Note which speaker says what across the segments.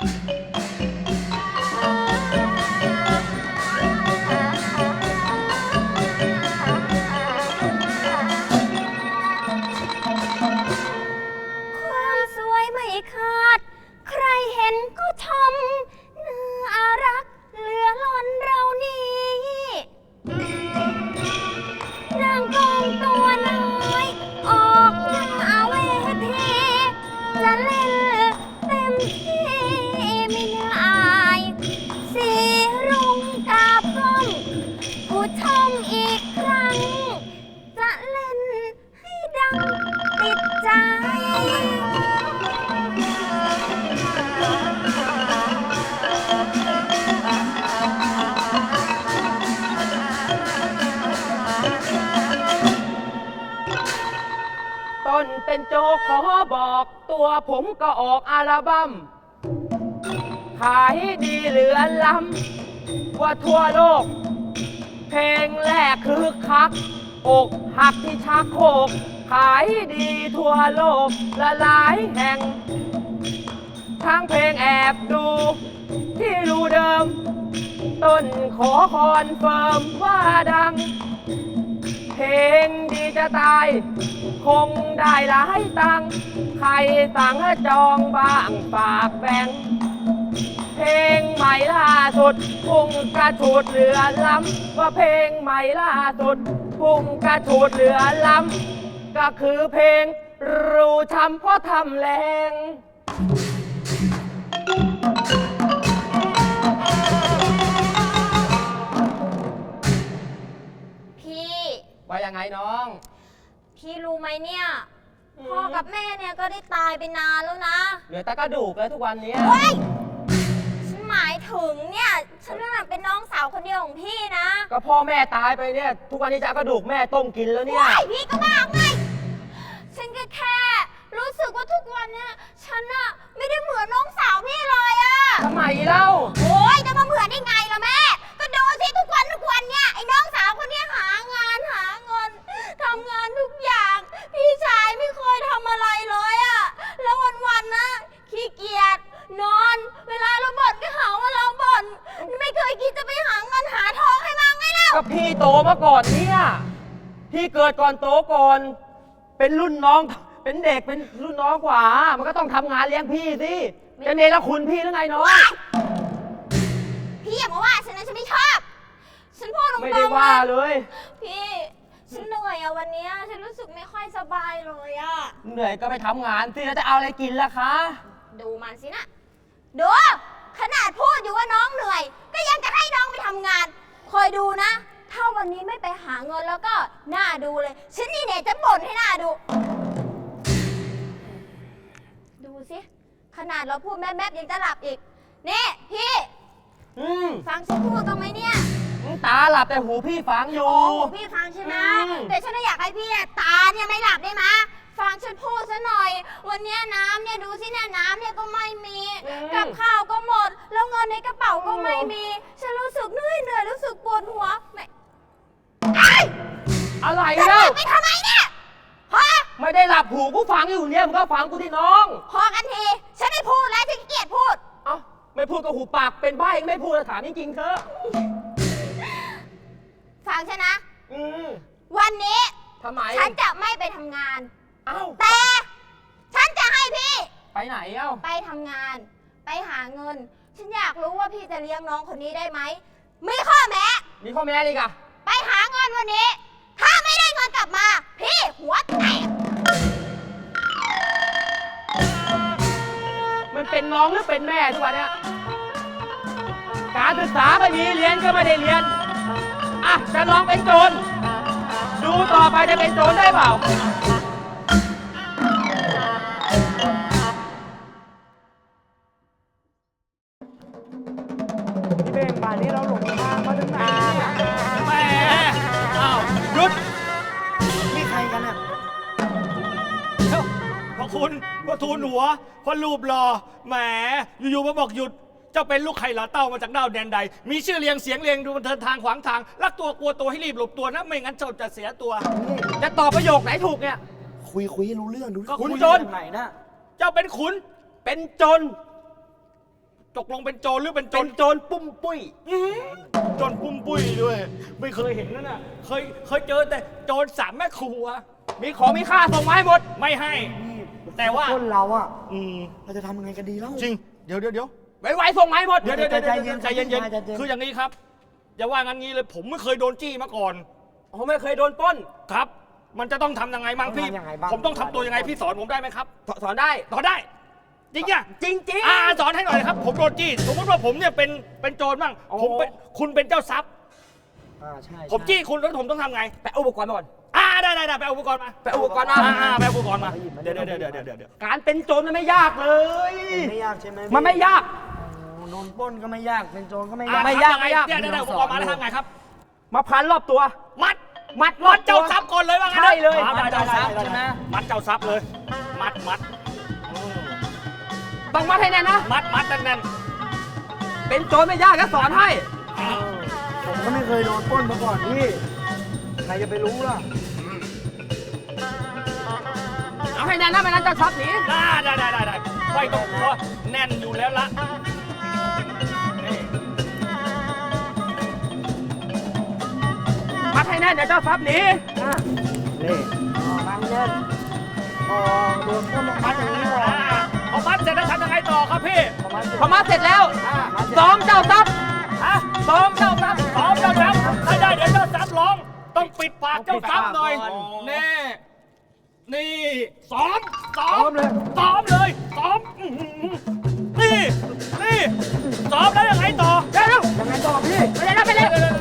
Speaker 1: ความสวยไม่ขาดใครเห็นก็ชมน่ารักเหลือล้นเรานี้นางกองตัวน้อยออกหน้าเวทีจะเล่นเต็มที่ไม่น่าอายสีรุ้งกาบ้องผู้ชมอีกครั้งจะเล่นให้ดังติดใจ
Speaker 2: ต้นเป็นโจกขอบอกตัวผมก็ออกอัลบั้มขายดีเหลือล้ำว่าทั่วโลก เพลงแรกคือคักอกหักที่ชักโครกขายดีทั่วโลกละหลายแห่ง ทั้งเพลงแอบดูที่รูเดิม ต้นขอคอนเฟิร์มว่าดัง เพลงดีจะตาย คงได้หลายตังค์ใครสั่งจองบ้างฝากแบ่ง เพลงใหม่ล่าสุดพุ่งกระฉูดเหลือล้ำว่าเพลงใหม่ล่าสุดพุ่งกระฉูดเหลือล้ำก็คือเพลงรู้ช้ำเพราะทำแรง
Speaker 1: พี่
Speaker 2: ว่ายังไงน้อง
Speaker 1: พี่รู้ไหมเนี่ยพ่อกับแม่เนี่ยก็ได้ตายไปนานแล้วนะ
Speaker 2: เหลือแต่กระดูกแล้วทุกวันนี้
Speaker 1: เฮ้ยฉันหมายถึงเนี่ยฉันน่ะเป็นน้องสาวคนเดียวของพี่นะ
Speaker 2: ก็พ่อแม่ตายไปเนี่ย ทุกวันนี้จะเอากระดูกแม่ต้มกินแล้วเนี่ย
Speaker 1: เฮ้ยพี่ก็บ้าไงฉันก็แค่รู้สึกว่าทุกวันเนี่ยฉันอะไม่ได้เหมือนน้องสาวพี่เลยอะ
Speaker 2: ทำไมเล่า
Speaker 1: โอ้ยจะมาเหมือนได้ไงล่ะแม่ ก็ดูสิทุกวันเนี่ยไอ้น้องสาวคนเนี้ยหางานหาเงินทำงานทุกอย่าง พี่ชายไม่เคยทำอะไรเลยอะแล้ววันๆนะขี้เกียจนอน เวลาเราบ่นก็หาว่าเราบ่นไม่เคยคิดจะไปหาเงินหาทองให้มาไงเล่า
Speaker 2: ก็พี่โตมาก่อนเนี่ยพี่เกิดก่อนโตก่อน เป็นรุ่นน้อง เป็นเด็กเป็นรุ่นน้องกว่า มันก็ต้องทำงานเลี้ยงพี่สิจะเนรคุณพี่หรือไงน้อง
Speaker 1: พี่อย่ามาว่าฉันนะฉันไม่ชอบ ฉันพูดตรงๆ
Speaker 2: ไม่ได้ว่าเลย
Speaker 1: พี่ฉันเหนื่อยอะวันเนี้ยฉันรู้สึกไม่ค่อยสบายเลยอะ
Speaker 2: เหนื่อยก็ไปทำงานสิแล้วจะเอาอะไรกินล่ะคะ
Speaker 1: ดูมันสินะดูขนาดพูดอยู่ว่าน้องเหนื่อย ก็ยังจะให้น้องไปทำงาน คอยดูนะ ถ้าวันนี้ไม่ไปหาเงินแล้วก็น่าดูเลย ฉันนี่เนี่ยจะบ่นให้น่าดู ดูสิขนาดเราพูดแม่ยังจะหลับอีกนี่พี่
Speaker 2: อืม
Speaker 1: ฟังฉันพูดตรงไหมเนี่ย
Speaker 2: ตาหลับแต่หูพี่ฟังอยู่
Speaker 1: โอ้พี่ฟังใช่ไหม
Speaker 2: อืม
Speaker 1: แต่ฉันอยากให้พี่ตาเนี่ยไม่หลับได้ไหมฟังฉันพูดซะหน่อย วันเนี้ยน้ำเนี่ยดูสิเนี่ยน้ำเนี่ยก็ไม่มีกับข้าวก็หมด แล้วเงินในกระเป๋าก็ไม่มี ฉันรู้สึกเหนื่อยรู้สึกปวดหัวไม่ไอ้
Speaker 2: อะไร
Speaker 1: จะห
Speaker 2: เล่า
Speaker 1: ลับไปทำไมเนี่ยพอ
Speaker 2: ไม่ได้หลับหูกูฟังอยู่เนี่ยมึงก็ฟังกูที่น้อง
Speaker 1: พอกันทีฉันไม่พูดแล้วฉันขี้เกียจพูด
Speaker 2: เอ้าไม่พูดก็หูปากเป็นใบ้ไม่พูดถามจริงๆเถอะ
Speaker 1: ฟังฉันนะ
Speaker 2: อืม
Speaker 1: วันนี้
Speaker 2: ทำไม
Speaker 1: ฉันจะไม่ไปทำงาน
Speaker 2: เอ้า
Speaker 1: แต่ฉันจะให้พี่
Speaker 2: ไปไหนเอ้า
Speaker 1: ไปทำงาน ไปหาเงิน ฉันอยากรู้ว่าพี่จะเลี้ยงน้องคนนี้ได้ไหม มีข้อแม้
Speaker 2: มีข้อแม้อีกอะ
Speaker 1: ไปหาเงินวันนี้ ถ้าไม่ได้เงินกลับมา พี่หัวแตก
Speaker 2: มันเป็นน้องหรือเป็นแม่ทุกวันเนี้ยการศึกษาไม่มีเรียนก็ไม่ได้เรียนอ่ะจะลองเป็นโจรดูต่อไปจะเป็นโจรได้เปล่า
Speaker 3: พี่เบ่งป่านนี้เราหลงทางมาถึงไหนเนี่ย
Speaker 4: แหมอ้าวหยุด
Speaker 3: นี่ใครกันอ่ะ
Speaker 4: เอ้าพระคุณพระทูลหัวพระรูปหล่อแหมอยู่ๆมาบอกหยุด เจ้าเป็นลูกไข่หลาเต้ามาจากดาวแดนใด มีชื่อเรียงเสียงเรียงดูบันเทิงทางขวางทาง รักตัวกลัวตัวให้รีบหลบตัวนะ ไม่งั้นเจ้าจะเสียตัว
Speaker 2: จะตอบประโยคไหนถูกเนี่ย
Speaker 3: คุยให้รู้เรื่องดู
Speaker 4: ก็
Speaker 2: คุณ
Speaker 4: คุย
Speaker 2: จน
Speaker 3: ไหนนะ
Speaker 4: เจ้าเป็นขุน
Speaker 2: เป็นจน
Speaker 4: ตกลงเป็นโจรหรือเป็นโจ
Speaker 2: เป็
Speaker 4: ร
Speaker 2: นโจรปุ้มปุ้ย
Speaker 4: โจรปุ้มปุ้ยด้วย ไม่เคยเห็นนั่นน่ะเคยเจอแต่โจรสามแม่ครัว
Speaker 2: มีของมีค่าส่งมาให้หมด
Speaker 4: ไม่ให้
Speaker 3: นี่
Speaker 4: แต่ว่า
Speaker 3: คนเราอ่ะ
Speaker 4: อืม
Speaker 3: เราจะทำยังไงกันดีเล่า
Speaker 4: จริงเดี๋ยว
Speaker 2: ไวๆส่งมาให้หมด
Speaker 4: เดี๋ยว
Speaker 3: ใจเย็น
Speaker 4: ใจเย็น
Speaker 3: ใจเย็น
Speaker 4: คืออย่างนี้ครับ อย่าว่างั้นงี้เลยผมไม่เคยโดนจี้มาก่อน
Speaker 2: ผมไม่เคยโดนปล้น
Speaker 4: ครับ มันจะต้องทำยังไงบ้างพี่
Speaker 3: ต้องทำยังไงบ้าง
Speaker 4: ผมต้องทำตัวยังไงพี่สอนผมได้ไหมครับ
Speaker 2: สอนได้
Speaker 4: สอนได้ จริงอ่ะ
Speaker 2: จริง
Speaker 4: สอนให้หน่อยครับ ผมโดนจี้ สมมติว่าผมเนี่ยเป็นโจรบ้าง
Speaker 2: โอ้
Speaker 4: ผมเป็นคุณเป็นเจ้าทรัพย์
Speaker 3: ใช่
Speaker 4: ผมจี้คุณแล้วผมต้องทำไง
Speaker 2: ๆไปเอาอุปกรณ์มาก่อน
Speaker 4: ได้ไปเอาอุปกรณ์มา
Speaker 2: ไปเอาอุปกรณ์มา
Speaker 4: ไปเอาอุปกรณ์มา เดี๋ยว
Speaker 2: การเป็นโจรมันไม่ยากเลย
Speaker 3: ไม่ยากใช่ไหม
Speaker 2: มันไม่ยาก
Speaker 3: โอ้โดนปล้นก็ไม่ยากเป็นโจรก็ไม่ยาก
Speaker 2: ไม่ยากไม่ยาก
Speaker 4: เดี๋ยวอุปกรณ์มาแล้วทำไงครับ
Speaker 2: มาพันรอบตัว
Speaker 4: มัด
Speaker 2: รอบ
Speaker 4: เจ้าทรัพย์ก่อนเลยว่างั้น
Speaker 2: ใช่เลย
Speaker 4: ได้
Speaker 3: เจ้าทรัพย์ใช่ไหม
Speaker 4: มัดเจ้าทรัพย์เลย มัด
Speaker 2: ต้องมัดให้แน่นนะ
Speaker 4: มัดแน่น
Speaker 2: เป็นโจรไม่ยากก็สอนให้
Speaker 3: ผมก็ไม่เคยโดนปล้นมาก่อนพี่ใครจะไปรู้ล่ะ
Speaker 2: เอาให้แน่นนะไม่นั้นจะทรัพย์หนี
Speaker 4: ได้ไม่ต้องกลัวแน่นอยู่แล้วละนี่
Speaker 2: มัดให้แน่นเดี๋ยวเจ้าทรัพย์หนี
Speaker 3: นี่มันเล่นโดนปล้นลงมาอย่างนี้ก่อน
Speaker 4: พอมัดเสร็จแล้วทำยังไงต่อครับพี่
Speaker 2: พอมัดเสร็จแล้วซ้อมเจ้าทรัพย์
Speaker 4: ฮะ
Speaker 2: ซ้อมเจ้าทรัพย์
Speaker 4: ซ้อมเจ้าทรัพย์ไม่ได้เดี๋ยวเจ้าทรัพย์ร้อง ต้องปิดปากเจ้าทรัพย์หน่อย
Speaker 2: ต้องปิดปากก่อน
Speaker 4: นี่ซ้อมเลยซ้อมอื้อหือนี่ซ้อมแล้วยังไงต่อ
Speaker 2: เร็ว
Speaker 3: ยังไงต่อพี่
Speaker 2: ไปเลยนะไปเลย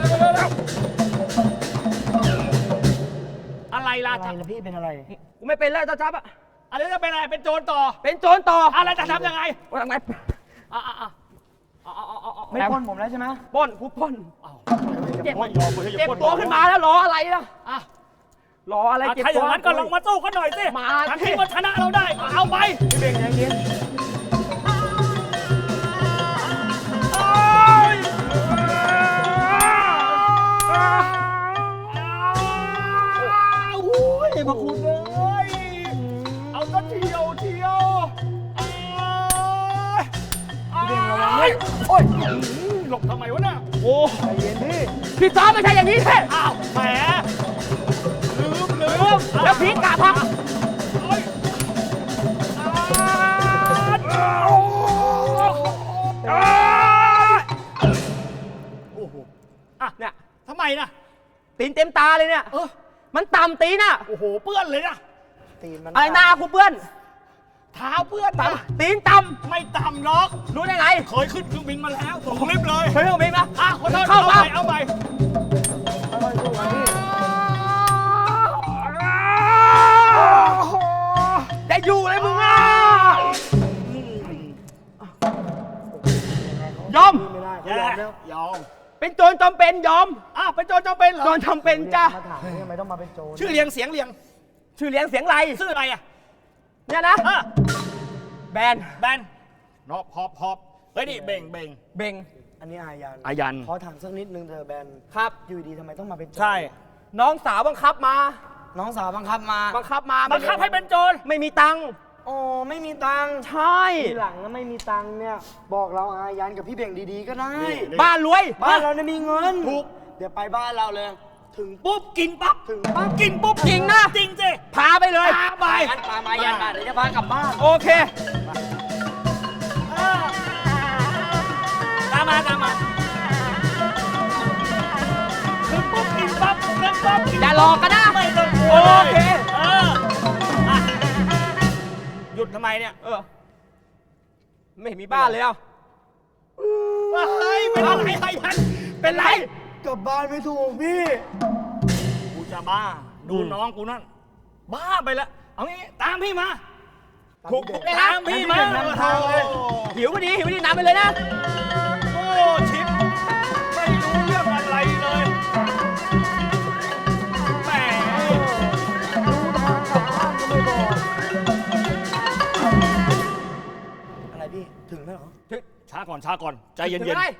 Speaker 4: อะไรล่ะ
Speaker 3: อะไรล่ะพี่เป็นอะไร
Speaker 2: กูไม่เป็นแล้วเจ้าทรัพย์อะ
Speaker 4: อะไรจะเป็นอะไรเป็นโจรต่อ
Speaker 2: เป็นโจรต่อ
Speaker 4: อะไรจะทำยังไง
Speaker 2: ว่าทำไง
Speaker 4: อ่ะ
Speaker 3: ไม่ปล้นผมแล้วใช่ไหม
Speaker 2: ปล้นกูปล้น
Speaker 4: เจ็บ
Speaker 2: เจ็บตัวขึ้นมาแล้วรออะไรล่ะ
Speaker 4: อ่ะ
Speaker 2: รออะไรเจ็บ
Speaker 4: ถ้าอ
Speaker 2: ตัว
Speaker 4: ย่างนั้นก็ลองมาสู้กันหน่อยสิ
Speaker 2: มา
Speaker 4: ทั้งที่ว่าชนะเราได้ก็เอาไป
Speaker 3: พี่เบ่งใจเย็น
Speaker 4: โอ้ยพระคุณเลยเอาซะเที่ยว
Speaker 3: พี่เบ่งระวังด้วย
Speaker 4: โอ้ยหลบทำไมวะเนี่ยโอ้
Speaker 3: ใจเย็นพี่
Speaker 2: พี่ซ้อมไม่ใช่อย่างนี้แท้
Speaker 4: อ้าวแหมลืม
Speaker 2: แล้วพีกกะพัก
Speaker 4: โอ้ยโอ้โห
Speaker 2: อ่ะเนี่ย
Speaker 4: ทำไมนะ
Speaker 2: ตีนเต็มตาเลยเนี่ย มันต่ำตีนอ่ะ
Speaker 4: โอ้โหเปื้อนเลยนะ
Speaker 3: ตีนมัน
Speaker 2: อะไรหน้ากูเปื้อน
Speaker 4: เท้าเปื้อนนะ
Speaker 2: ตีนต่
Speaker 4: ไม่ต่ำหรอก
Speaker 2: ำรู้ได้ไง
Speaker 4: เคยขึ้นเครื่องบินมาแล้วส่งคลิปเลย
Speaker 2: เคยเห็นไหมนะ
Speaker 4: คนนั้น
Speaker 2: เข้า
Speaker 4: เอา
Speaker 2: มา
Speaker 4: ไปเอาไป
Speaker 3: ค่อยๆสู้กันพี่
Speaker 2: จะอยู่เลยมึงอ่ะยอม
Speaker 3: ไม่ได้เขา
Speaker 4: แย่
Speaker 3: ยอมแล้ว
Speaker 4: ยอม
Speaker 2: เป็นโจรจำเป็นยอม
Speaker 4: เป็นโจรจำเป็นเหรอ
Speaker 2: โจรจำเป็นจ้ะ
Speaker 3: มาถามเนี่ยทำไมต้องมาเป็นโจร
Speaker 4: ชื่อเรียงเสียงเรียง
Speaker 2: ชื่อเลี้ยงเสียงไร
Speaker 4: ชื่ออะไรอ่ะ
Speaker 2: เนี่ยนะ แบน
Speaker 4: แบนนอบหอบเฮ้ยนี่เบ่ง
Speaker 2: เบ่ง
Speaker 3: อันนี้อายัน
Speaker 4: อายัน
Speaker 3: ขอถามสักนิดนึงเธอะแบน
Speaker 2: ครับ
Speaker 3: อยู่ดีทำไมต้องมาเป็นโจร
Speaker 4: ใช่
Speaker 2: น้องสาวบังคับมา
Speaker 3: น้องสาวบังคับมา
Speaker 2: บังคับมา
Speaker 4: บังคับให้เป็นโจร
Speaker 2: ไม่มีตังค์
Speaker 3: โอ้ไม่มีตังค์
Speaker 2: ใช่
Speaker 3: ทีหลังนะไม่มีตังค์เนี่ย บอกเราอายันกับพี่เบ่งดีๆก็ได้
Speaker 2: บ้านรวย
Speaker 3: บ้านเราเนี่ยมีเงิน
Speaker 4: ถูก
Speaker 3: เดี๋ยวไปบ้านเราเลย ถึง
Speaker 4: ปุ๊บกินปั๊บ
Speaker 3: ถึงปั๊บ
Speaker 4: กินปุ๊บ
Speaker 2: จริงนะ
Speaker 4: จริงสิ
Speaker 2: พาไปเลย
Speaker 4: พาไป
Speaker 3: งั้นปามายันมาเดี๋ยวจะพากลับบ้าน
Speaker 2: โอเค
Speaker 4: ตามมาถึงปุ๊บกินปั๊บกินปั๊บกิน
Speaker 2: อย่าหลอกกันนะ
Speaker 4: ไม่ต้องกลัว
Speaker 2: โอเค
Speaker 4: อ่ะหยุดทำไมเนี่ย
Speaker 2: ไม่มีบ้านเลยอ่ะ
Speaker 4: เฮ้ยเป็นอะไรไอ้พันเป็นไร
Speaker 3: กลับบ้านไม่ถูกพี่
Speaker 4: กูจะบ้า ดูน้องกูนั่น บ้าไปแล้ว เอางี้ตามพี่มา
Speaker 2: ถูก
Speaker 3: เลย
Speaker 4: ตามพี่มา
Speaker 3: งั้นพี่เบ่งนำทางเลย
Speaker 2: หิวพอดีนำไปเลยนะ
Speaker 4: โอ้ชิปไม่รู้เรื่องอะไรเลยแหม
Speaker 3: รู้ทางกลับบ้านก็ไม่บอก อะไรพี่ ถึงแล้วเหรอ
Speaker 4: ช้าก่อนใจเย็
Speaker 2: ถึง
Speaker 4: น
Speaker 2: อะไร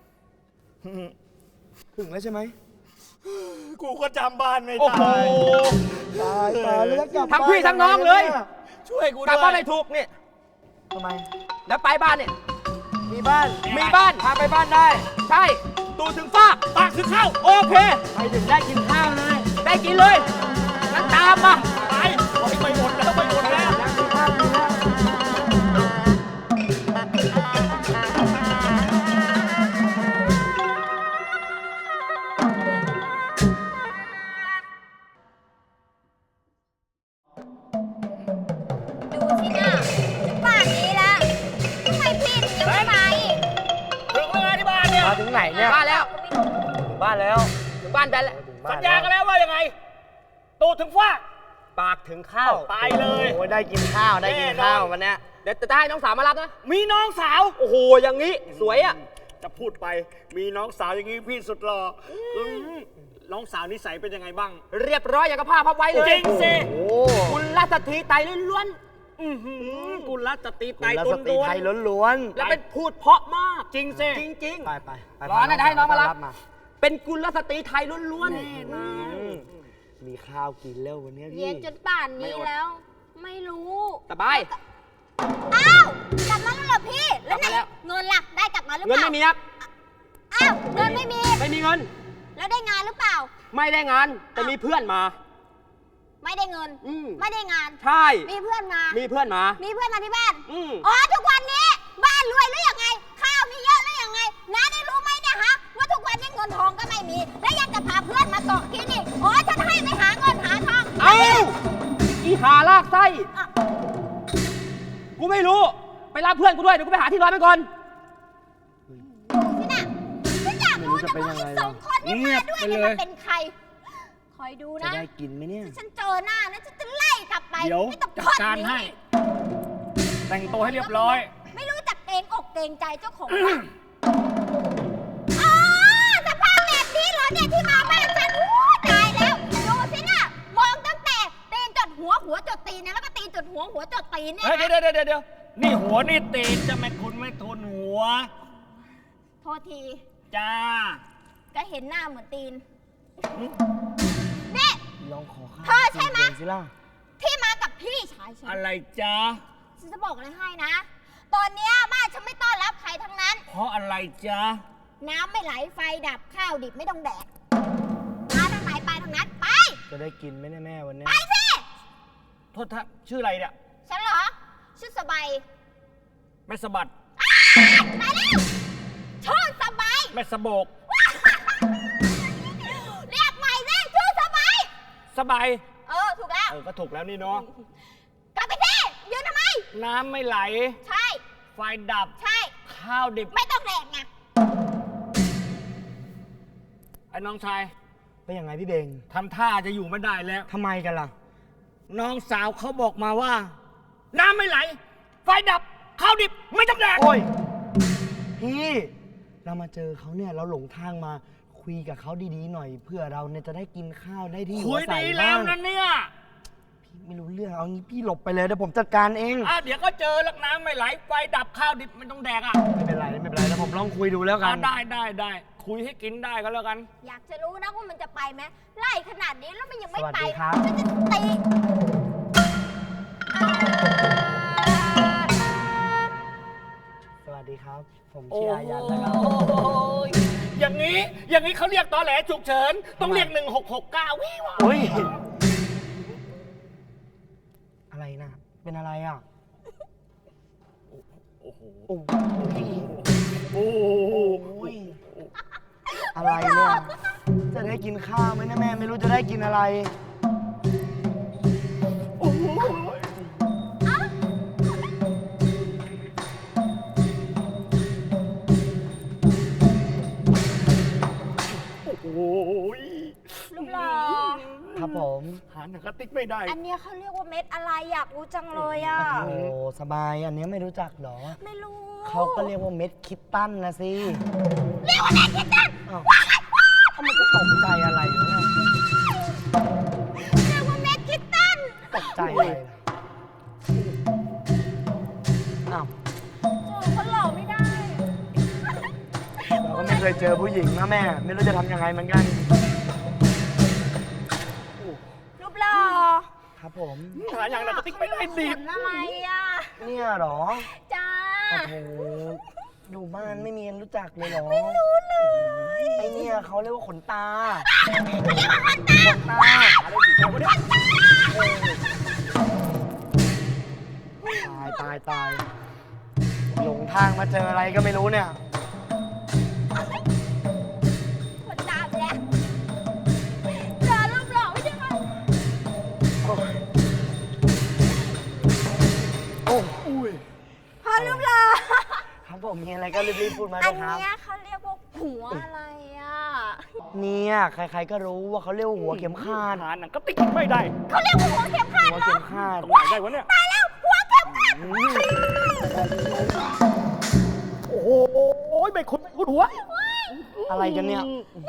Speaker 3: ถึงแล้วใช่ไหม
Speaker 4: ๆกูก็จำบ้านไม่
Speaker 2: โอ้โห
Speaker 4: ได้
Speaker 3: ตายแล้วจะกลับ
Speaker 2: ทั้งพี่ทั้งน้องเลย
Speaker 4: ช่วยกู
Speaker 2: กลับ
Speaker 4: ด้
Speaker 2: บ้า
Speaker 4: วน
Speaker 2: ไม่ถูกนี่
Speaker 3: ทำไม
Speaker 2: แล้วไปบ้านเนี่ย
Speaker 3: มีบ้าน
Speaker 2: มีบ้านพาไปบ้านได้ ใช่ตูถึงฟาก
Speaker 4: ปากถึงเข้า
Speaker 2: โอเค
Speaker 3: ไปถึงได้กินข้าวเลย
Speaker 2: ได้กินเลยงั้นตามมา
Speaker 4: ไปไปหมดแล้วไปหมดแล้ว
Speaker 3: กินข้าวกินแล้ว
Speaker 1: ดูสินะป่านนี้แล้วทำไมพี่ถึงยังไม่มาอีก
Speaker 4: ถึงเวลาที่บ้านเนี่ย
Speaker 3: มาถึงไหนเนี่ย
Speaker 2: บ้านแล้ว
Speaker 3: ถึงบ้านแล้ว
Speaker 2: ถึงบ้านได้แล้ว
Speaker 3: ถึงบ้
Speaker 4: สัญญากันแล้วว่ายังไง ตูถึงฟ้า
Speaker 3: ปากถึงข้าว
Speaker 4: ไปเลย
Speaker 3: โอ้ยได้กินข้าวได้กินข้าววันเนี้ย
Speaker 2: เดี๋ยวจะให้น้องสาวมารับนะ
Speaker 4: มีน้องสาว
Speaker 2: โอ้โห อย่างนี้ สวยอ่ะ
Speaker 4: จะพูดไป มีน้องสาวอย่างนี้พี่สุดหล่อน้องสาวนิสัยเป็นยังไงบ้าง
Speaker 2: เรียบร้อยอย่างกับผ้าพับไว้เลย
Speaker 4: จริงสิ
Speaker 3: โอ้
Speaker 2: คุณรัตถีไตล้วน
Speaker 4: กุลรัตตี
Speaker 3: คุ
Speaker 4: ไต
Speaker 3: ณรั
Speaker 4: ตุ
Speaker 3: ส
Speaker 4: น
Speaker 3: ตรี
Speaker 4: ด้ว
Speaker 3: ไท
Speaker 4: น
Speaker 3: ยล้วน
Speaker 2: ๆ แล้วเป็นพูดเพราะมาก
Speaker 4: จริงสิ
Speaker 2: จริง
Speaker 3: ๆไปไปไป
Speaker 2: รอนะให้น้องมารับ
Speaker 3: มา
Speaker 2: ๆ เป็นกุลสตรีไทยล้วน
Speaker 3: อืมมีข้าวกินแล้ววันเนี้ยพี่
Speaker 1: เย็นจนป่านนี้แล้ว ไม่รู้
Speaker 2: ๆ สบาย
Speaker 1: อ้าวกลับมาแล้วเหรอพี่ แล้ว
Speaker 2: กลับมาแล้ว
Speaker 1: เงินล่ะได้กลับมาหรือ
Speaker 2: เงิ
Speaker 1: เป
Speaker 2: น
Speaker 1: ล่า
Speaker 2: ไม่มีครับ
Speaker 1: อ้าวเงินไม่มี
Speaker 2: ไม่มีเงิน
Speaker 1: แล้วได้งานหรือเปล่า
Speaker 2: ไม่ได้งาน แต่มีเพื่อนมา
Speaker 1: ไม่ได้เงิน
Speaker 2: อืม
Speaker 1: ไม่ได้งาน
Speaker 2: ใช่
Speaker 1: มีเพื่อนมา
Speaker 2: มีเพื่อนมา
Speaker 1: มีเพื่อนมาที่บ้าน
Speaker 2: อืม
Speaker 1: อ๋อทุกวันนี้ บ้านรวยหรือยังไง ข้าวมีเยอะหรือยังไงน้าได้รู้ไหมเนี่ยฮะว่าทุกวันนี้เงินทองก็ไม่มี และยังจะพาเพื่อนมาเกาะกินอีกอ๋อฉันให้ไปหาเงินหาทอง
Speaker 2: เอ้าอีหาลากไส้
Speaker 1: อ่ะ
Speaker 2: กูไม่รู้ ไปรับเพื่อนกูด้วย เดี๋ยวกูไปหาที่นอนไปก่อน
Speaker 1: นี่น่ะฉันอยากรู้จังว่าไอ้สองคนที่มาด้วยเนี่ยมันเป็นใคร คอยดู
Speaker 3: จะ
Speaker 1: นะ
Speaker 3: ได้กินไหมเนี่ย
Speaker 1: ฉันเจอหน้านะฉันจะไล่กลับไป
Speaker 4: เดี๋ยว
Speaker 1: ไม่ต้อง
Speaker 4: จัด
Speaker 1: ทอด
Speaker 4: การ
Speaker 1: นิ้ว
Speaker 4: ให้ แต่งตัวให้เรียบร้อย
Speaker 1: ไม่รู้จักเกรงอกเกรงใจเจ้าของบ้านอ๋อสภาพแบบนี้เหรอเนี่ยที่มาบ้านฉันอู้ตายแล้ว ดูสิน่ะ มองตั้งแต่ตีนจดหัวหัวจดตีนเนี่ยแล้วก็ตีนจดหัวหัวจดตีนเนี่ย
Speaker 4: เฮ้ย
Speaker 1: นะ
Speaker 4: เดี๋ยวนี่หัวนี่ตีนจะไม่คุณไม่ทุนหัว
Speaker 1: โทษที
Speaker 4: จ้า
Speaker 1: ก็เห็นหน้าเหมือนตีนนี่
Speaker 3: ลองขอข้าว
Speaker 1: เธอใช่ไหม
Speaker 3: กินสิล่ะ
Speaker 1: ที่มากับพี่ชายฉัน
Speaker 4: อะไรจ้า
Speaker 1: ฉันจะบอกอะไรให้นะ ตอนเนี้ยบ้านฉันไม่ต้อนรับใครทั้งนั้น
Speaker 4: เพราะอะไรจ้า
Speaker 1: น้ำไม่ไหลไฟดับข้าวดิบไม่ต้องแดกมาทางไหนไปทางนั้น ไป
Speaker 3: จะได้กินไหมเนี่ยแม่วันเนี้ย
Speaker 1: ไปสิ
Speaker 4: โทษท่าชื่ออะไรเนี่ย
Speaker 1: ฉันเหรอชื่อสบาย
Speaker 4: แม่สะบัด
Speaker 1: ตายแล้วชื่อสบาย
Speaker 4: แม่สะโบก
Speaker 1: เรียกใหม่สิชื่อสบาย
Speaker 4: สบาย
Speaker 1: ถูกแล้ว
Speaker 4: ก็ถูกแล้วนี่เนาะ
Speaker 1: กลับไปสิยืนทำไม
Speaker 4: น้ำไม่ไหล
Speaker 1: ใช่
Speaker 4: ไฟดับ
Speaker 1: ใช่
Speaker 4: ข้าวดิบ
Speaker 1: ไม่ต้องแดกไง
Speaker 4: ไอ้น้องชาย
Speaker 3: เป็นยังไงพี่เบง
Speaker 4: ทำท่าจะอยู่ไม่ได้แล้ว
Speaker 3: ทำไมกันล่ะ
Speaker 4: น้องสาวเขาบอกมาว่า น้ำไม่ไหล ไฟดับ ข้าวดิบ ไม่ต้องแดก
Speaker 3: โอ้ย พี่ เรามาเจอเขาเนี่ยเราหลงทางมาคุยกับเขาดีๆหน่อยเพื่อเราเนี่ยจะได้กินข้าวได้ที่
Speaker 4: คุ
Speaker 3: หัวย ใส่
Speaker 4: ดีแล้
Speaker 3: บ้าว ง
Speaker 4: นะเนี่ย
Speaker 3: พี่ไม่รู้เรื่องเอางี้พี่หลบไปเลยเดี๋ยวผมจัดการเอง
Speaker 4: เดี๋ยวก็เจอแล้วน้ำไม่ไหล ไฟดับข้าวดิบไม่ต้องแดกอ่ะ
Speaker 3: ไม่เป็นไรไม่เป็นไรแล้วผมลองคุยดูแล้วกัน
Speaker 4: ได้ คุยให้กินได้ก็แล้วกัน
Speaker 1: อยากจะรู้นะว่ามันจะไปไหมไล่ขนาดนี้แล้วมันยังไม่
Speaker 3: สวัส
Speaker 1: ไป
Speaker 3: ดีครับ
Speaker 1: ฉันจะตี
Speaker 3: สวัสดีครับ ผมชื่ออายันนะครับ
Speaker 4: ยอย่างนี้เขาเรียกตอแหลฉุกเฉิน ต้องเรียก 1669วิว
Speaker 3: โอ้ย อะไรนะเป็นอะไรอ่ะ
Speaker 4: โอ้โห
Speaker 3: โอ้ย
Speaker 4: โอ้โห
Speaker 3: โอ้ยอะไรเนี่ย จะได้กินข้าวไหมนะแม่ไม่รู้จะได้กินอะไร
Speaker 4: โอ้โหโอ้ย
Speaker 1: ลูกหล่อ
Speaker 3: ครับผม
Speaker 4: หาหนังกระติกไม่ได้
Speaker 1: อันเนี้ยเขาเรียกว่าเม็ดอะไรอยากรู้จังเลยอ่ะ
Speaker 3: โอ้สบายอันนี้ไม่รู้จักเหรอ
Speaker 1: ไม่รู้
Speaker 3: เขาก็เรียกว่าเม็ดคิดตันนะสิ
Speaker 1: เรียกว่าเม็ดคิดตัน
Speaker 3: อ้าวถ้ามันจะตกใจอะไรวะเนี่ย
Speaker 1: เรียกว่าเม็ดคิดตัน
Speaker 3: ตกใจอะไรล่ะอ้าว
Speaker 1: เจอคนหล่อไม่ได้
Speaker 3: เราก็ไม่เคยเจอผู้หญิงนะแม่ ไม่รู้จะทำยังไงเหมือนกัน
Speaker 1: รูปหล่อ
Speaker 3: ครับผม
Speaker 4: หาอย่างหนังกระติกไม่ได้ดิ
Speaker 1: ขนอะไรอ่ะ
Speaker 3: เนี่ยเหรอ
Speaker 1: จ้า
Speaker 3: โอ้โหอยู่บ้านไม่มีรู้จักเลยเหรอ ไม่รู้เลย ไอเนี่ยเขาเรียกว่าขนตาเขาเรียกว่าขนตาอะไรผิดวะเนี่ยตายหลงทางมาเจออะไรก็ไม่รู้เนี่ย
Speaker 1: คนตามแล้วเจอรูปหล่อไม่ใช่ไหม
Speaker 3: โอ้ย
Speaker 1: พอรูปหล่อ
Speaker 3: ครับผมมีอะไรก็รีบๆพูดมา
Speaker 1: อั
Speaker 3: เล
Speaker 1: น
Speaker 3: ยครับ
Speaker 1: เนี้ยเขาเรียกว่าหัวอะไรอ่ะ
Speaker 3: เนี่ยใครๆก็รู้ว่าเขาเรียกว่าหัวเข็มขัด
Speaker 4: หาหนังก็ติ๊กไม่ได้
Speaker 1: เขาเรียกว่าหัวเข็มขัด
Speaker 3: หัว
Speaker 1: เหรอ
Speaker 3: เข็มขัด
Speaker 4: ตรงไหนได้วะเนี่ย
Speaker 1: ตายแล้วหัวเข็มขัด
Speaker 4: โอ้โหไม่คุ้นหัว
Speaker 3: อะไรกันเนี่ย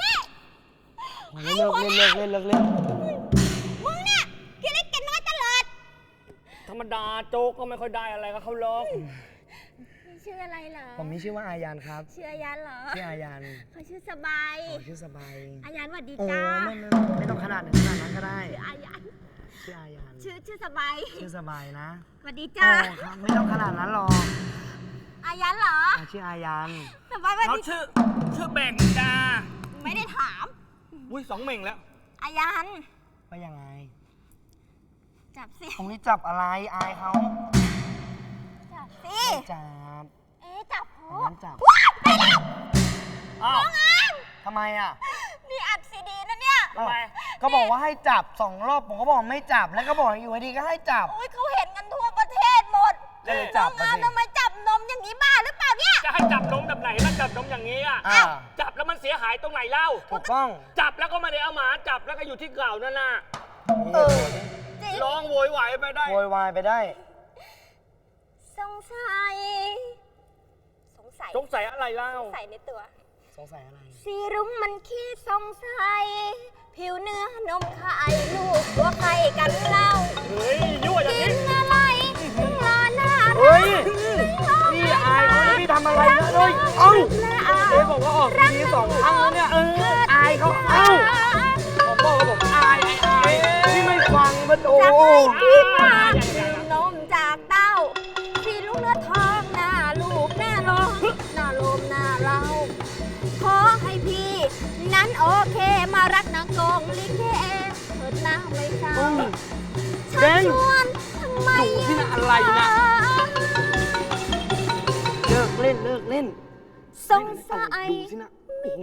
Speaker 3: เลิกเล่น
Speaker 1: มึงเนี่ยกินเล็กกินน้อยตลอด
Speaker 4: ธรรมดาโจ๊กก็ไม่ค่อยได้อะไรก็เขาลอง
Speaker 1: ชื่ออะไรเหรอ
Speaker 3: ผมมีชื่อว่าอายันครับ
Speaker 1: ชื่ออายันเหรอ
Speaker 3: ชื่ออายัน
Speaker 1: เขาชื่อสบาย
Speaker 3: ชื่อสบาย
Speaker 1: อายันสวัสดี
Speaker 3: โอ้
Speaker 1: จ้า
Speaker 3: ไม่ต้องขนาดนั้นก็ได้
Speaker 1: อายัน
Speaker 3: ชื่ออายัน
Speaker 1: ชื่อสบาย
Speaker 3: ชื่อสบายนะ
Speaker 1: สวัสดี
Speaker 3: โอ้
Speaker 1: จ้า
Speaker 3: ครับไม่ต้องขนาดนั้นหรอก
Speaker 1: อายันเหรอ
Speaker 3: ชื่ออายัน
Speaker 1: สบายสวัส
Speaker 4: เขา
Speaker 1: ดี
Speaker 4: ชื่อแบ่งจ้า
Speaker 1: ไม่ได้ถาม
Speaker 4: อุ้ย2 เม่งแล้ว
Speaker 1: อายัน
Speaker 3: ว่ายังไง
Speaker 1: จับสิ
Speaker 3: ตรงนี้จับอะไรอายเขา
Speaker 1: จับสิ
Speaker 3: ไม่จับ
Speaker 1: เอ๊ะจับโพ
Speaker 3: อันนั้นจับ
Speaker 1: ว้าวไปแล้ว
Speaker 4: อ้าว
Speaker 1: น้องอาม
Speaker 3: ทำไมอ่ะ
Speaker 1: นี่อัดซีดีนะเนี่ย
Speaker 4: ทำไม
Speaker 3: ก็บอกว่าให้จับ2 รอบผมก็บอกไม่จับแล้วก็บอกอยู่ดีก็ให้จับ
Speaker 1: โอ้ยเขาเห็นกันทั่วประเทศหมด
Speaker 3: ก็เลยจับ
Speaker 1: น้องอาม
Speaker 3: มาสิ
Speaker 1: ทำไมจับนมอย่างนี้บ้าหรือเปล่าเนี่ย
Speaker 4: จะให้จับนมแบบไหนล่ะจับนมอย่างนี้อ่ะ
Speaker 3: อ่า
Speaker 4: จับแล้วมันเสียหายตรงไหนเล่า
Speaker 3: ถูกต้อง
Speaker 4: จับแล้วก็ไม่ได้เอาหมาจับแล้วก็อยู่ที่เก่านั่นน่ะ
Speaker 1: เออจริง
Speaker 4: ร้องโวยวายไปได้
Speaker 3: โวยวายไปได้
Speaker 1: สงสัย
Speaker 4: สงสัยอะไรเล่า
Speaker 1: สงสัยในตัว
Speaker 3: สงสัยอะไร
Speaker 1: สีรุ้งมันขี้สงสัย ผิวเนื้อนมไข่ลูกตัวไข่กันเล่า
Speaker 4: เฮ้ยยั่วอย่าง
Speaker 1: กิ
Speaker 4: นี้
Speaker 1: นอะไรถึงรอหน้า
Speaker 3: เฮ้ย พี่อายเขานะพี่ทำอะไรนะเฮ้ยเอ้า เจ๊บอกว่าออกทีวี2 ครั้งแล้วเนี่ยอายเขาเอ้าผมบอกว่าผมอายพี่ไม่ฟังมันโอ้
Speaker 1: จะให้พี่มาดื่มนมจากเต้าสีลูกเนื้อทองหน้าลูกหน้าลมหน้าลมหน้าเราขอให้พี่นั้นโอเคมารักนางกงลิเกเถิดหน้าไม่เศร้าชักชวนทำไม
Speaker 3: ดูที่น่ะอะไรนะเลิกเล่น
Speaker 1: สงสัย
Speaker 3: ดูสินะโอ้โห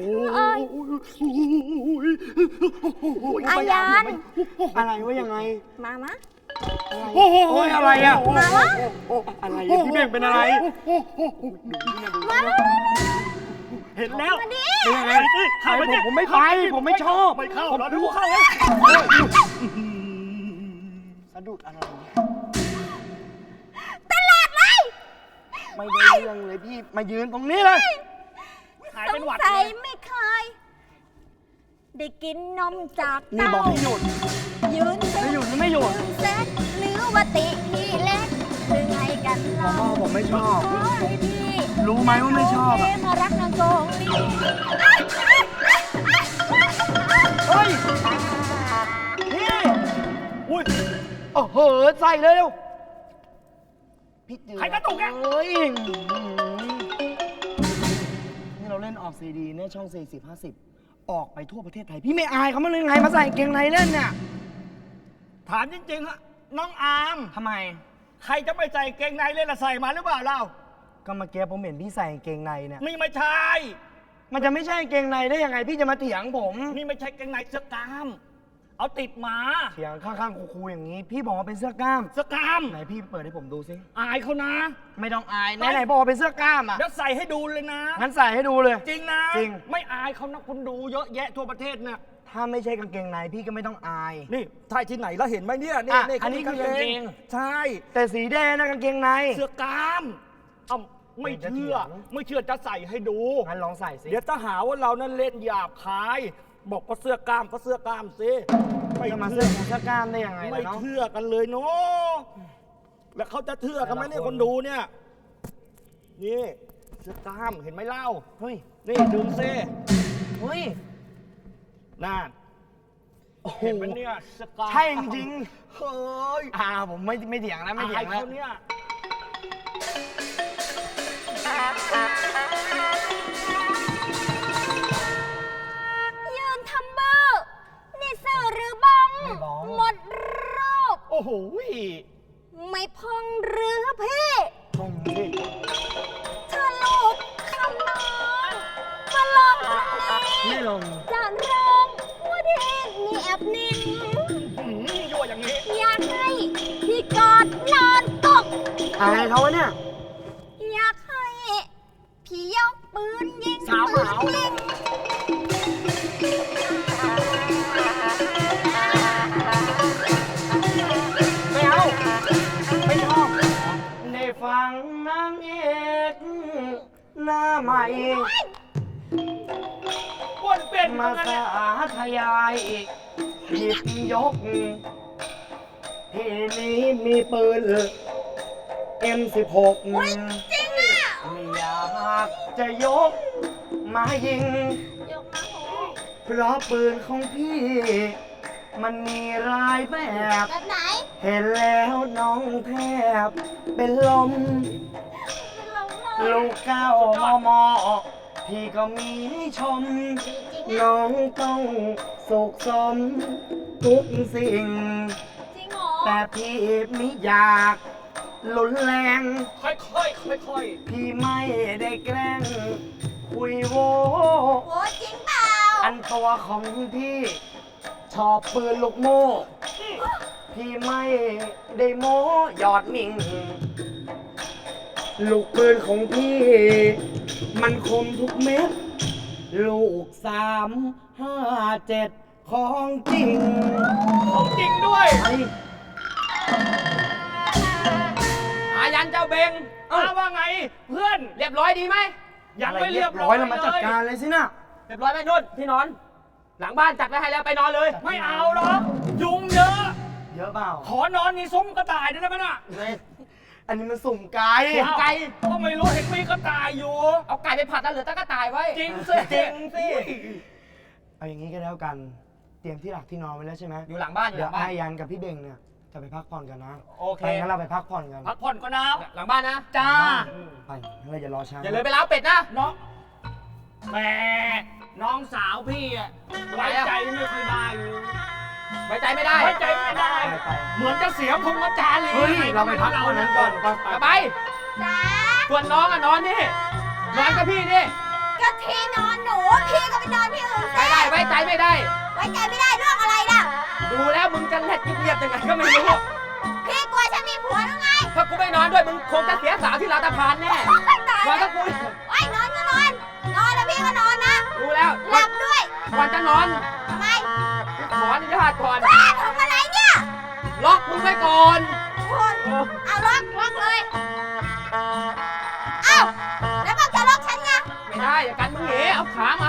Speaker 1: อายัน
Speaker 3: อะไรว่ายังไง
Speaker 1: มามะ
Speaker 3: โอ้ยอะไรอ่ะ
Speaker 1: มาวะ
Speaker 3: อะไรพี่เบ่งเป็นอะไร
Speaker 1: มา
Speaker 4: เห็นแล้ว
Speaker 1: มาดิ
Speaker 3: เป็นยังไง
Speaker 4: เข้าไปเนี่ย
Speaker 3: ผมไม่ไปผมไม่ชอบ
Speaker 4: ไม่เข้า
Speaker 3: ผม
Speaker 4: เหรอ
Speaker 3: ดู
Speaker 4: ดูเข้าเลย
Speaker 3: สะดุดอะไร
Speaker 1: ตลาดเลย
Speaker 3: ไม่ได้เรื่องเลยพี่มายืนตรงนี้เลย
Speaker 4: หาย
Speaker 1: ส
Speaker 4: เป็น
Speaker 1: ง
Speaker 4: หวัด
Speaker 1: สั
Speaker 4: เลย ย
Speaker 1: ไม่เคย ได้กินนมจาก
Speaker 3: นี่
Speaker 1: เต้า
Speaker 3: บอกให้หยุด
Speaker 1: ยืน
Speaker 3: ไม่หยุดหรือไม่หยุด
Speaker 1: เซ็ตหรือว่าติพี่เล็กหรือไงกัน
Speaker 3: ผม
Speaker 1: เล่า
Speaker 3: ว่าผมไม่ชอบ
Speaker 1: ขอให้พี่
Speaker 3: รู้ไหมว่าไม่ชอบ
Speaker 1: โเค
Speaker 3: อ่ะ
Speaker 1: มารักนางโกงลี
Speaker 3: เฮ้ยพี่
Speaker 4: อุ้ย
Speaker 3: โอ้โหใส่เลยเร็วพี่เจือ
Speaker 4: ใครกระตุกเนี่ย
Speaker 3: เฮ้ยนี่เราเล่นออกซีดีเนี่ยช่อง40-50ออกไปทั่วประเทศไทย พี่ไม่อายเขามาเลยไงมาใส่กางเกงในเล่นเนี่ย
Speaker 4: ถามจริงๆฮะน้องอาร์ม
Speaker 3: ทำไม
Speaker 4: ใครจะไปใส่เกงในเล่นละใส่มาหรือเปล่าเล่า
Speaker 3: ก็เมื่อกี้ผมเห็นพี่ใส่กางเกงในเนี่ย
Speaker 4: นี่ไม่ใช่
Speaker 3: มันจะไม่ใช่กางเกงในได้ยังไง พี่จะมาเถียงผม
Speaker 4: นี่ไม่ใช่เกงในเสื้อกล้าม เอาติดมา
Speaker 3: เถียงข้างๆคูๆอย่างนี้ พี่บอกว่าเป็นเสื้อกล้าม
Speaker 4: เสื้อกล้าม
Speaker 3: ไหนพี่เปิดให้ผมดูสิ
Speaker 4: อายเขานะ
Speaker 3: ไม่ต้องอายไหนๆบอกว่าเป็นเสื้อกล้ามอ่ะ
Speaker 4: เดี๋ยวใส่ให้ดูเลยนะ
Speaker 3: งั้นใส่ให้ดูเลย
Speaker 4: จริงนะ
Speaker 3: จริง
Speaker 4: ไม่อายเขานะคุณดูเยอะแยะทั่วประเทศเนี่ย
Speaker 3: ถ้าไม่ใช่กางเกงในพี่ก็ไม่ต้องอาย
Speaker 4: นี่ใช่ที่ไหนแล้วเห็นไหมเนี่ยนี่
Speaker 3: อ่ะ
Speaker 4: นี่
Speaker 3: อันนี้คือกางเกง
Speaker 4: ใช่
Speaker 3: แต่สีแดงนะกางเกงใน
Speaker 4: เสื้อกล้ามเอ้าไม่เชื่อ ไม่เชื่อจะใส่ให้ดู
Speaker 3: งั้นลองใส่สิ
Speaker 4: เดี๋ยวจะหาว่าเรานั้นเล่นหยาบคาย บอกว่าเสื้อกล้ามก็เสื้อกล้ามสิไม่
Speaker 3: จะมา
Speaker 4: เชื่
Speaker 3: เสื้
Speaker 4: อ
Speaker 3: อกล้ามได้ยังไง
Speaker 4: ไม่
Speaker 3: ล่ะเนาะ
Speaker 4: เชื่อกันเลยเนาะแล้วเขาจะเชื่อกันไหมเนี่ย
Speaker 3: แต่ละคน
Speaker 4: คนดูเนี่ยนี่เสื้อกล้ามเห็นไหมเล่า
Speaker 3: เฮ้ย
Speaker 4: นี่ดึงซิ
Speaker 3: เฮ้ย
Speaker 4: น่า
Speaker 3: โอ้โห
Speaker 4: เห็นไหมเนี่ยเสื้อกล้าม
Speaker 3: ใช่จริง
Speaker 4: เฮ้ย
Speaker 3: ผมไม่เถียงแล้วไม่เถีย
Speaker 4: อาย
Speaker 3: งแล้ว
Speaker 4: เขาเนี่ย
Speaker 3: ไม่ลง
Speaker 1: จะร้องว่าเด่นเงียบนิ่ง
Speaker 4: ยั่วอย่างนี้
Speaker 1: อยากให้พี่กอดนอนตก
Speaker 3: อายเขาวะเนี่ย
Speaker 1: อยากให้พี่ยกปืนยิง
Speaker 3: สาวเหมา
Speaker 1: ปืนยิง
Speaker 3: ไม่เอา ไม่ชอบได้ฟังนางเอกหน้าใหม่
Speaker 4: อ้วนเป็น
Speaker 3: มา
Speaker 4: มา
Speaker 3: สาธยายหยิบยก ที่นี้มีปืน M16
Speaker 1: จริงอ่ะ
Speaker 3: ไม่อยากจะยกมายิง
Speaker 1: ยกมาโห
Speaker 3: เพราะปืนของพี่ มันมีรายแบบ
Speaker 1: แบบไหน
Speaker 3: เห็นแล้วน้องแทบเป็นลม
Speaker 1: เป็นลมเลย
Speaker 3: ลูกเก้ามมพี่ก็มีให้ชม
Speaker 1: จริงอ่ะ
Speaker 3: น้องต้องสุขสมทุกสิ่ง
Speaker 1: จริงเหรอ
Speaker 3: แต่พี่ไม่อยากรุนแรง
Speaker 4: ค่อยๆค่อย
Speaker 3: พี่ไม่ได้แกล้ง คุยโว
Speaker 1: โอ้จริงเปล่า
Speaker 3: อันตัวของพี่ชอบปืนลูกโม่ พี่ไม่ได้โม้หยอดมิง ลูกปืนของพี่ มันคมทุกเม็ด ลูก357ของจริง
Speaker 4: ๆของจริงด้วย
Speaker 3: ไอ้
Speaker 2: อายันเจ้าเบง
Speaker 4: มาว่าไงเพื่อน
Speaker 2: เรียบร้อยดีไหม
Speaker 4: ยัง
Speaker 3: อะไร
Speaker 4: ไม่
Speaker 3: เรี
Speaker 4: เรี
Speaker 3: ย
Speaker 4: ย
Speaker 3: บบ ร้
Speaker 4: ร้
Speaker 3: อ
Speaker 4: อย ย
Speaker 3: แล้วมาจัดการเลยสินะ
Speaker 2: เรียบร้อยไหมนุ่นที่นอน หลังบ้านจัดไว้ให้แล้วไปนอนเลย
Speaker 4: ไม่เอาหรอกยุงเยอะ
Speaker 3: เยอะเปล่า
Speaker 4: ขอนอนในซุ้มกระต่ายได้ไหมน่ะ
Speaker 3: อันนี้มันสุ่มไก่
Speaker 2: สุ่มไก่
Speaker 4: ก็ไม่รู้เห็นมีกระต่ายอยู่
Speaker 2: เอาไก่ไปผัดแล้วเหลือแต่กระต่ายไว้
Speaker 4: จริงสิ
Speaker 2: จริงสิ
Speaker 3: เอาอย่างนี้ก็แล้วกัน เตรียมที่หลักที่นอนไว้แล้วใช่ไหม
Speaker 2: อยู่หลังบ้านอยู่
Speaker 3: เดี๋
Speaker 2: ห
Speaker 3: ยว
Speaker 2: ลังบ้าน
Speaker 3: ไอ้ยันกับพี่เบงเนี่ยจะไปพักผ่อนกันนะ
Speaker 4: โอเค
Speaker 3: ไปงั้นเราไปพักผ่อนกัน
Speaker 4: พักผ่อนก็น้
Speaker 2: หลังบ้านนะ
Speaker 4: ำจ้า
Speaker 3: ไปงั้นเราอย่ารอช้า
Speaker 2: อย่าเลยไปล้าวเป็ดนะ
Speaker 4: น้องแหมน้องสาวพี่อะไว้ใจไม่ค่อยได้อยู่
Speaker 2: ไว้ใจไม่ได้
Speaker 4: ไว้ใจไม่ได้
Speaker 3: ไปไป
Speaker 4: เหมือนจะเสียพงษ์จารี
Speaker 3: เฮ้ยเราไปพักผ่อนนั้นก่อนไป
Speaker 2: กลับไป
Speaker 1: จ้า
Speaker 2: ส่วนน้องอะนอนนี่ นอนกับพี่นี่
Speaker 1: ก็ที่นอนหนู พี่ก็ไปนอนที่อื่น
Speaker 2: ไม่
Speaker 1: สิ
Speaker 2: ได้ไว้ใจไม่ได้
Speaker 1: ไว้ใจไม่ได้เรื่องอะไรล่ะ
Speaker 2: ดูแล้วมึงจะเล็ดเงียบๆยังไงก็ไม่รู้
Speaker 1: พี่กลัวฉันมีผัวหรือไง
Speaker 2: ถ้ากูไม่นอนด้วยมึงคงจะเสียสาวที่ลาตาพานแน่
Speaker 1: ตาย
Speaker 2: นอน
Speaker 1: แล้
Speaker 2: กั
Speaker 1: ว
Speaker 2: บกู
Speaker 1: ไอ้ยนอนก็นอน นอนแล้วพี่ก็นอนนะ
Speaker 2: รู้แล้ว
Speaker 1: หลับด้วย
Speaker 2: ก่อนจะนอน
Speaker 1: ทำไม
Speaker 2: ขออนุญาตก่อน
Speaker 1: ว้าทำอะไรเนี่ย
Speaker 2: ล็อกมึงไว้ก่อน
Speaker 1: โอ้ยเอาล็อกเลย เอ้าแล้วบอกจะล็อกฉันไง
Speaker 2: ไม่ได้อย่ากันมึงเหเอาขามา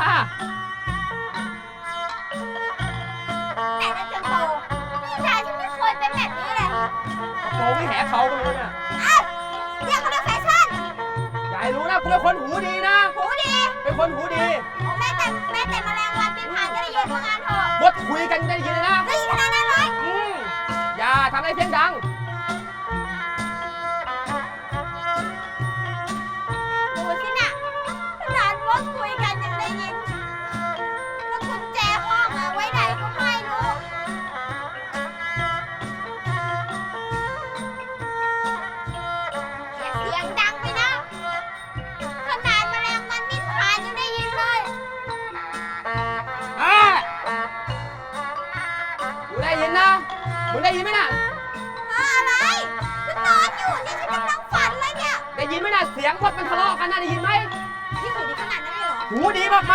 Speaker 1: แต่นั่นจะโตพี่ชายฉันไม่เคยเป็นแบบนี้เลย
Speaker 2: โกงไม่แหเขาไปเลยเนี่ย
Speaker 1: เอ้าเรียกเขาด้วยแฟชั่น
Speaker 2: อย่าให้รู้นะกูเป็นคนหูดีนะ
Speaker 1: หูดี
Speaker 2: เป็นคนหูดี
Speaker 1: โอ้แม่แต่แมลงวันบินผ่านก็ได้ยินว่างานเถอะ
Speaker 2: บดคุยกันได้ยินเลยนะ
Speaker 1: ได้ยินขนาดนั้นเลย
Speaker 2: อย่าทำอะไรเสียงดัง
Speaker 1: ดูสิน่ะขนาดว่าคุยกันยังได้ยิน แล้วกุญแจห้องอะไว้ไหนก็ไม่รู้อย่าเสียงดังไปนะ ขนาดแมลงวันบินผ่านยังได้ยินเลย
Speaker 2: กูได้ยินนะมึงได้ยินไหมน่ะ
Speaker 1: อะไรฉันนอนอยู่เนี่ยฉันกำลังฝันเลยเนี่ย
Speaker 2: ได้ยินไหมน่ะ เสียงพวกมันทะเลาะกันน่ะได้ยินไหม
Speaker 1: พี่หูดีขนาดนั้นเลยเหรอ
Speaker 2: หูดีมาก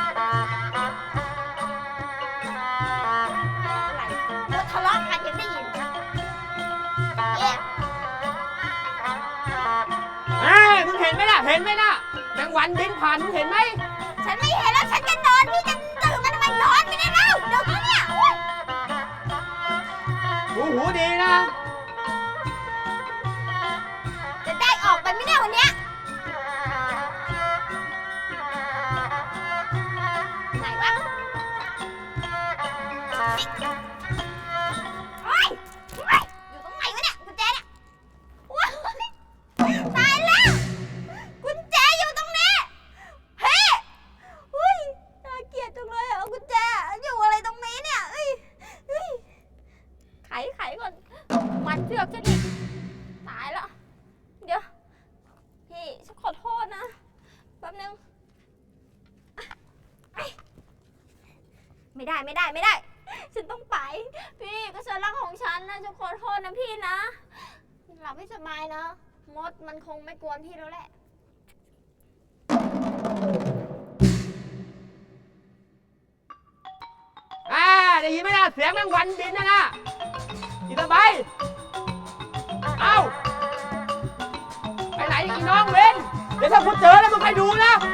Speaker 1: อะไรเราทะเลาะกันยังได้ยินเอ๊ะ
Speaker 2: ๆมึงเห็นไหมน่ะ เห็นไหมน่ะแมงวันบินผ่านมึงเห็นไหม
Speaker 1: ฉันไม่เห็นแล้วฉันจะนอนพี่จะตื่นมาทำไมนอนไม่ได้แล้วเดี๋ยวนี้เนี่ยโอ๊ย
Speaker 2: หูดีนะ
Speaker 1: จะได้ออกไปไม่ได้วันเนี้ยไหนวะนี่โอ๊ยโอ๊ยอยู่ตรงไหนวะเนี่ยกุญแจเนี่ยโอ๊ยตายแล้วกุญแจอยู่ตรงนี้เฮ้อุ้ยน่าเกลียดจังเลยอะกุญแจอยู่อะไรตรงนี้เนี่ยเอ้ยเฮ้ยไขก่อนมันเชือกฉันอีกตายแล้วเดี๋ยวพี่ไม่ได้ไม่ได้ไม่ได้ ฉันต้องไป พี่ก็ฉันรักของฉันนะฉันขอโทษนะพี่นะหลับให้สบายนะมดมันคงไม่กวนพี่แล้วแหละ
Speaker 2: ได้ยินไหมล่ะเสียงแมงวันบินนะอีตาใบเอ้าไปไหนอีน้องเวนเดี๋ยวถ้ากูเจอแล้วมึงใครดูนะ